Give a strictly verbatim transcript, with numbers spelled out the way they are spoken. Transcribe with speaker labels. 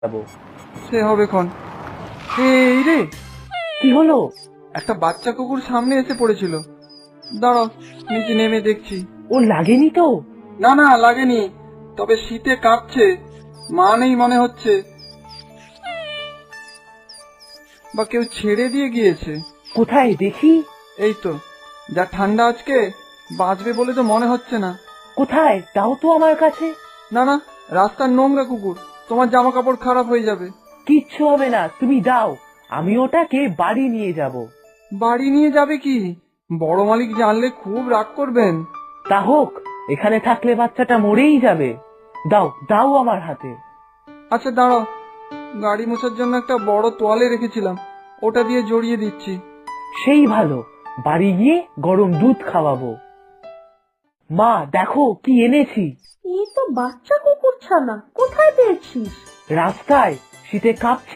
Speaker 1: যাবো।
Speaker 2: সে হবে ক্ষণ। এই রে,
Speaker 1: কি হলো?
Speaker 2: একটা বাচ্চা কুকুর সামনে এসে পড়েছিল। দাঁড়াও, নিচে নেমে দেখছি।
Speaker 1: ও লাগেনি তো?
Speaker 2: না না, লাগেনি, তবে শীতে কাঁপছে। মা নেই মনে হচ্ছে, বা কেউ ছেড়ে দিয়ে গিয়েছে।
Speaker 1: কোথায় দেখি?
Speaker 2: এই তো, যা ঠান্ডা আজকে, বাঁচবে বলে তো মনে হচ্ছে না।
Speaker 1: কোথায় দাও তো আমার কাছে।
Speaker 2: না না, রাস্তার নোংরা কুকুর, তোমার জামা কাপড় খারাপ হয়ে যাবে।
Speaker 1: কিচ্ছু হবে না, তুমি দাও, আমি ওটাকে বাড়ি নিয়ে যাব।
Speaker 2: বাড়ি নিয়ে যাবে কি? বড় মালিক জানলে খুব রাগ করবেন।
Speaker 1: তা হোক, এখানে থাকলে বাচ্চাটা মরেই যাবে। দাও দাও আমার হাতে।
Speaker 2: আচ্ছা দাঁড়াও, গাড়ি মোছার জন্য একটা বড় তোয়ালে রেখেছিলাম, ওটা দিয়ে জড়িয়ে দিচ্ছি।
Speaker 1: সেই ভালো, বাড়ি গিয়ে গরম দুধ খাওয়াবো। মা দেখো কি এনেছি।
Speaker 3: এই তো বাচ্চা কুকুর ছানা, কোথায় পেয়েছিস?
Speaker 1: রাস্তায় শীতে কাঁপছে।